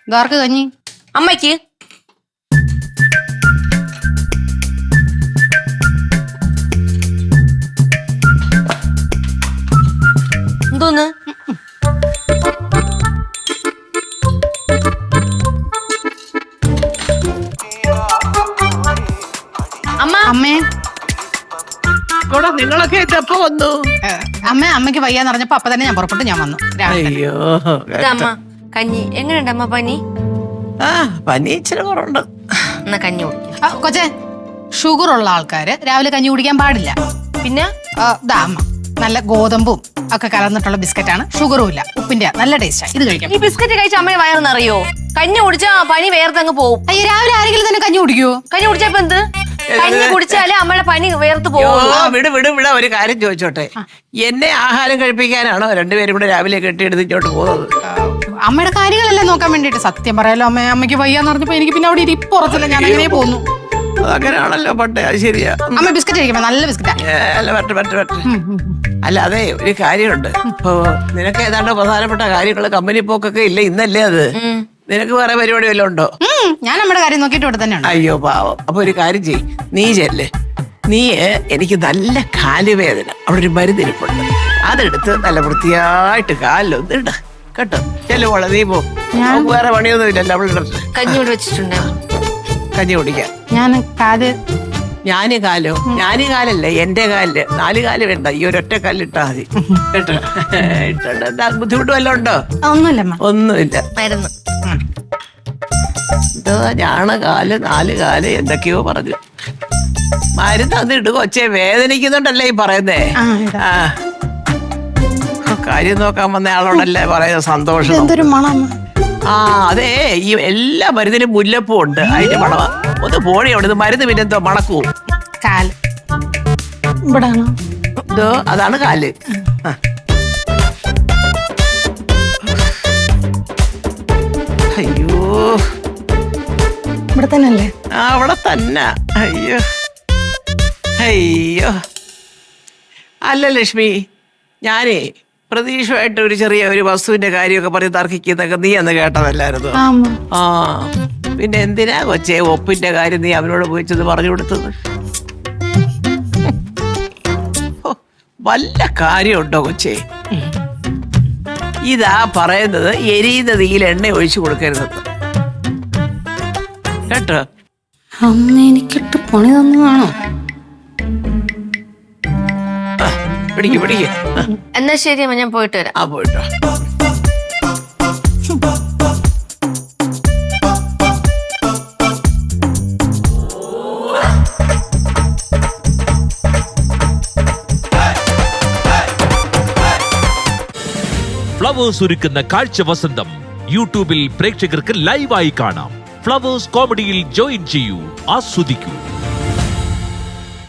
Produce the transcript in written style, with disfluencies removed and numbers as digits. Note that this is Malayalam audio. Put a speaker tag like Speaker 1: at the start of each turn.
Speaker 1: ഇതാർക്ക് കഞ്ഞി?
Speaker 2: അമ്മയ്ക്ക്. എന്തോന്ന്? അമ്മ.
Speaker 1: അമ്മേ
Speaker 3: നിങ്ങളൊക്കെ എപ്പോ വന്നു?
Speaker 1: അമ്മയ്ക്ക് വയ്യാന്ന് പറഞ്ഞപ്പോ അപ്പൊ തന്നെ ഞാൻ പുറപ്പെട്ടു, ഞാൻ വന്നു.
Speaker 3: അയ്യോ
Speaker 2: അമ്മ കഞ്ഞി എങ്ങനെയുണ്ട് അമ്മ? പനി?
Speaker 3: പനി ഇച്ചിരി കുറവുണ്ട്.
Speaker 2: എന്നാ കഞ്ഞി കുടിക്കാം.
Speaker 1: കൊച്ചേ, ഷുഗർ ഉള്ള ആൾക്കാര് രാവിലെ കഞ്ഞി കുടിക്കാൻ പാടില്ല.
Speaker 2: പിന്നെ
Speaker 1: അമ്മ നല്ല ഗോതമ്പും ഒക്കെ കലർന്നിട്ടുള്ള ബിസ്ക്കറ്റാണ്, ഷുഗറും ഇല്ല, ഉപ്പിന്റെ നല്ല ടേസ്റ്റാ. ഇത് കഴിക്കാം.
Speaker 2: ഈ ബിസ്ക്കറ്റ് കഴിച്ച അമ്മയെ വയറെന്നറിയോ? കഞ്ഞി കുടിച്ചാ പനി വേർത്തങ്ങ് പോവും.
Speaker 1: അയ്യോ, രാവിലെ ആരെങ്കിലും തന്നെ കഞ്ഞി കുടിക്കുവോ?
Speaker 2: കഞ്ഞി കുടിച്ചപ്പോ എന്ത്? കഞ്ഞി കുടിച്ചാലേ അമ്മയുടെ പനി വേർത്ത് പോകും.
Speaker 3: വിട ഒരു കാര്യം ചോദിച്ചോട്ടെ, എന്നെ ആഹാരം കഴിപ്പിക്കാനാണോ രണ്ടുപേരും കൂടെ രാവിലെ കെട്ടിയെടുത്ത് ഇങ്ങോട്ട് പോകുന്നത്?
Speaker 1: അമ്മയുടെ കാര്യങ്ങളെല്ലാം നോക്കാൻ വേണ്ടിട്ട്. സത്യം പറയാലോ അമ്മയ്ക്ക് വയ്യാന്ന് പറഞ്ഞപ്പോ എനിക്ക് പിന്നെ അവിടെ ഇരിപ്പുറത്തില്ല, ഞാൻ അങ്ങനെ പോന്നു.
Speaker 3: അങ്ങനെയാണല്ലോ പണ്ടേ. അത് ശരിയാ.
Speaker 1: അമ്മ ബിസ്ക്കറ്റ് കഴിക്കുമ്പോ നല്ല ബിസ്ക്കറ്റാ.
Speaker 3: അല്ല, അതെ ഒരു കാര്യമുണ്ട്. ഇപ്പൊ നിനക്ക് ഏതാണ്ട് പ്രധാനപ്പെട്ട കാര്യങ്ങള് കമ്പനി പോക്കൊക്കെ ഇല്ല, ഇന്നല്ലേ അത്? നിനക്ക് വേറെ പരിപാടി വല്ലതും ഉണ്ടോ?
Speaker 1: ഞാൻ നമ്മുടെ കാര്യം നോക്കിയിട്ട് ഇവിടെ തന്നെയാണ്.
Speaker 3: അയ്യോ പാവം. അപ്പൊ ഒരു കാര്യം ചെയ്യ്, നീ ചെല്ല്. എനിക്ക് നല്ല കാലുവേദന, അവിടെ ഒരു മരുന്നിരിപ്പുണ്ട്, അതെടുത്ത് നല്ല വൃത്തിയായിട്ട് കാലിലൊന്ന് ഇട കേട്ടോ. ചെല്ലുമോളെ, നീ പോ. വേറെ പണിയൊന്നും ഇല്ലല്ലോ അവളുടെ.
Speaker 2: കഞ്ഞി ഇവിടെ വെച്ചിട്ടുണ്ട്,
Speaker 3: കഞ്ഞി കുടിക്കാം. ഞാന് കാലല്ലേ, എന്റെ കാലില് 4 കാല് വേണ്ട, ഈ ഒരൊറ്റ കാലിട്ടാ മതി കേട്ടോ. എന്താ ബുദ്ധിമുട്ട് വല്ലതും ഉണ്ടോ? ഒന്നുമില്ല.
Speaker 2: മരുന്ന്
Speaker 3: എന്തോ ഞാണ് കാല് 4 കാല് എന്തൊക്കെയോ പറഞ്ഞു. മരുന്ന് അത് ഇടുക. കൊച്ചേ വേദനിക്കുന്നുണ്ടല്ലേ ഈ പറയുന്നേ? കാര്യം നോക്കാൻ വന്ന ആളോടല്ലേ പറയുന്നത് സന്തോഷം. അതെ, ഈ എല്ലാ മരുന്നിനും മുല്ലപ്പൂ ഉണ്ട്, അതിന്റെ മണവാ. ഒന്ന് പോണി അവിടെ നിന്ന് മരുന്ന് പിന്നെന്തോ മണക്കൂ. ഇതോ അതാണ് കാല്. അയ്യോ,
Speaker 1: ഇവിടെ തന്നെയല്ലേ?
Speaker 3: അവിടെ തന്നെ. അയ്യോ അയ്യോ. അല്ല ലക്ഷ്മി, ഞാനേ പ്രതീക്ഷയായിട്ട് ഒരു ചെറിയ ഒരു വസ്തുവിന്റെ കാര്യമൊക്കെ പറഞ്ഞ് തർക്കിക്കുന്നൊക്കെ നീ അന്ന് കേട്ടതല്ലായിരുന്നു? പിന്നെ എന്തിനാ കൊച്ചേ ഒപ്പിന്റെ കാര്യം നീ അവനോട് പോയിച്ചത് പറഞ്ഞു കൊടുത്തത്? വല്ല കാര്യമുണ്ടോ കൊച്ചേ? ഇതാ പറയുന്നത്, എരിയുന്ന തീയിൽ എണ്ണ ഒഴിച്ചു കൊടുക്കരുതെന്ന് കേട്ടോ.
Speaker 1: അമ്മ എനിക്കിട്ട് പണി തന്നതാണോ?
Speaker 3: പിടിക്ക്.
Speaker 2: എന്നാ ശരി അമ്മ, ഞാൻ പോയിട്ട് വരാം.
Speaker 3: പോയിട്ടോ.
Speaker 4: ഫ്ലവേഴ്സ് ഒരുക്കുന്ന കാഴ്ച വസന്തം യൂട്യൂബിൽ പ്രേക്ഷകർക്ക് ലൈവായി കാണാം. ഫ്ലവേഴ്സ് കോമഡിയിൽ ജോയിൻ ചെയ്യൂ, ആസ്വദിക്കൂ.